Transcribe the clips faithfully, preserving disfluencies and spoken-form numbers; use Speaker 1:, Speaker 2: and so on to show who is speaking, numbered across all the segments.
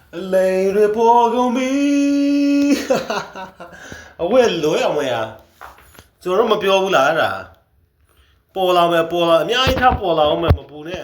Speaker 1: 泪水破空冰，我也累啊，我呀，做什么标不来了？波浪没波浪，伢一看波浪没没波呢。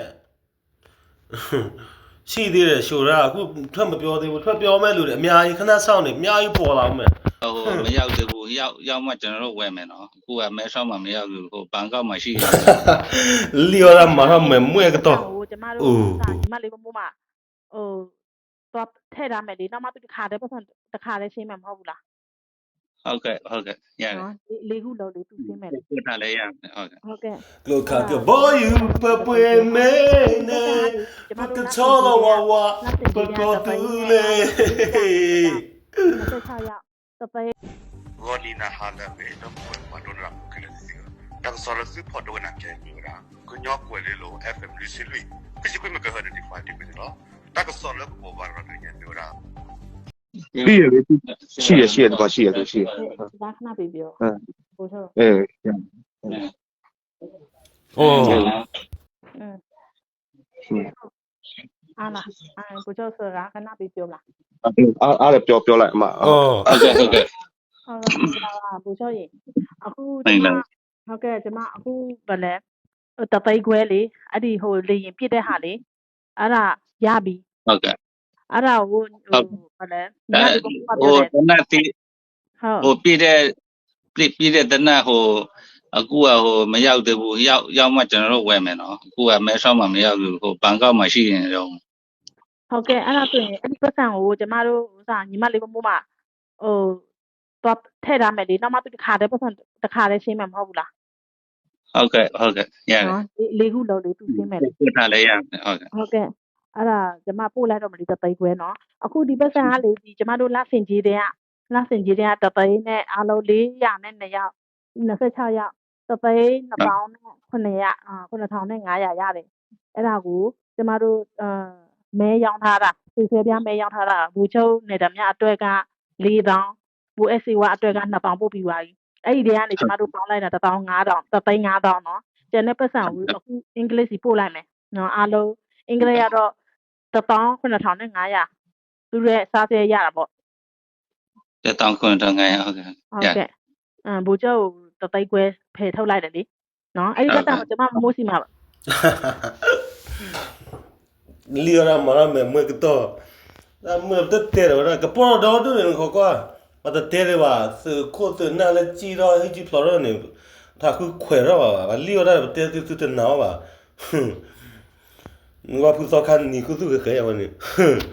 Speaker 1: ရှိသေးတယ်ရှို့တာအခုထွက်မပြောသေးဘူးထွက်ပြောမဲ့လူတွေအများကြီးခဏစောင့်နေအများကြီးပေါ်လာမယ်
Speaker 2: ဟိုမရောက်သေးဘူးရောက်ရောက်မှကျွန်တော်တို့ဝယ်မယ်နော်အခုကမဲဆောက်မှမရောက်ဘူးဟိုဘန်ကောက်မှာရှိတယ်
Speaker 1: လီယောရာမာရမဲမွေကတော့
Speaker 3: ဟိုကျမတို့စာညီမလေးမမို့မှာဟိုတော့ထဲ့ထားမယ်လေနောက်မှသူတစ်ခါတည်းပတ်စံတစ်ခါတည်းရှင်းမယ်မဟုတ်ဘူးလား
Speaker 2: ဟုတ်ကဲ့ဟုတ်ကဲ့ရတယ်
Speaker 3: နော်လေးခုလုံးလေးသူရှင်းမယ်လေ
Speaker 2: ပို့ထားလဲရတယ်ဟုတ်ကဲ့
Speaker 3: ဟုတ်ကဲ့
Speaker 1: ကလောကကဘောယူပပွေမဲနေပကချောလဝဝပကောတူလေ
Speaker 3: ဆက်ချရတပည့်
Speaker 4: Golina hala be no ko wadona kelesi ta solo su photo na ke nyura ko nyok ko le lo fm lu silwi kisi ko me ka hada di fa di be no ta ko solo ko ba ra ne nyura
Speaker 5: ရှိရလေရှိရရှိရတော့ရှိရတော့ရှိရ
Speaker 3: ဒါခဏပြေပြောဟိုဆို
Speaker 5: အဲ
Speaker 1: โอ้
Speaker 3: อืมအာနာအာဘုကျော်ဆိုတာခဏပြေပြောလား
Speaker 5: အားအားလည်းပြောပြောလိုက်အမ
Speaker 1: อ๋อ
Speaker 2: ဟုတ်ကဲ့ဟုတ်ကဲ့
Speaker 3: ဟုတ်ကဲ့ပါဘုကျော်ရေအခုဒီမှာဟုတ်ကဲ့ကျွန်မအခုဗလဲတပိတ်ခွဲလေအဲ့ဒီဟိုလေရင်ပြစ်တဲ့ဟာလေအဲ့ဒါရပြီ
Speaker 2: ဟုတ်ကဲ့
Speaker 3: အဲ့ဒါဟိုဟိုဗလဲညီမတို့က
Speaker 2: ဟို
Speaker 3: ပြောတယ်
Speaker 2: တနတ်တီ
Speaker 3: ဟုတ်
Speaker 2: ဟိုပြည့်တဲ့ပြည့်ပြည့်တဲ့တနတ်ဟိုအခုကဟိုမရောက်သေးဘူးရောက်ရောက်မှကျွန်တော်တို့ဝယ်မယ်နော်အခုကမဲဆောက်မှမရောက်ဘူးဟိုဘန်ကောက်မှာရှိနေတော့
Speaker 3: ဟုတ်ကဲ့အဲ့ဒါဆိုရင်အဲ့ဒီပတ်စံကိုကျမတို့ဥစားညီမလေးမမို့မှာဟိုတော့ထဲ့ထားမယ်လေနောက်မှသူတစ်ခါတည်းပတ်စံတစ်ခါတည်းရှင်းမယ်မဟုတ်ဘူးလား
Speaker 2: ဟုတ်ကဲ့ဟုတ်ကဲ့ရတယ်
Speaker 3: နော်လေးခုလုံးလေးသူရှင်းမယ်လေ
Speaker 2: ပို့ထားလဲရတယ်ဟုတ်ကဲ့
Speaker 3: ဟုတ်ကဲ့အဲ့ဒါကျမပို့လိုက်တော့မလို့တသိန်းခွဲနော်အခုဒီပတ်စံကလေဒီကျမတို့လက်စင်ကြီးတဲ့ကလက်စင်ကြီးတဲ့ကတသိန်းနဲ့အားလုံး၄ရာနဲ့၂ရောက်၂၆ရောက်တသိန်း၂ပေါင်းနဲ့ခုနှစ်ရအာခုနှစ်ထောင်နဲ့၅ရာရတယ်အဲ့ဒါကိုကျမတို့အာမဲရောင်းထားတာဆွေဆွဲပြားမဲရောင်းထားတာဘူချုပ်နေတာမြအတွက်က၄တောင်းဘူအက်စီဝါအတွက်က၂ပေါင်းပို့ပြီးသွားပြီအဲ့ဒီတည်းကနေကျမတို့ပေါင်းလိုက်တာတစ်တောင်း၅တောင်းတစ်သိန်း၅တောင်းနော်ကျန်တဲ့ပတ်စံကိုအခုအင်္ဂလိပ်စီပို့လိုက်မယ်နော်အားလုံးအင်္ဂလိပ်ကတော့တစ်ပေါင်းခုနှစ်ထောင်နဲ့၅ရာသူရဲ့စားစဲရတာပေါ့
Speaker 2: တစ်တောင်းခွန်းတော့ငယ်ဟုတ်ကဲ့
Speaker 3: ဟုတ်ကဲ့အမ်ဘူကျော်တသိန်းခွဲဖယ်ထုတ်လိုက်တယ်လေနော်အဲ့ဒီပတ်စံကိုကျမမမိုးစီမှာပါ
Speaker 1: လီယောရာမာရမဲမွေကတော့အမတက်တဲ့ရကပေါ်တော့တူနေခေါ်ကွာမတတဲ့ရပါစကိုတနာလက်ကြည့်တော့ဟိကြီးဖလော်ရနေถ้าคือခွေတော့ပါလီယောရာတဲ့တူတူနာပါငါဖူစောခန်နီကုသူခဲရဝနေ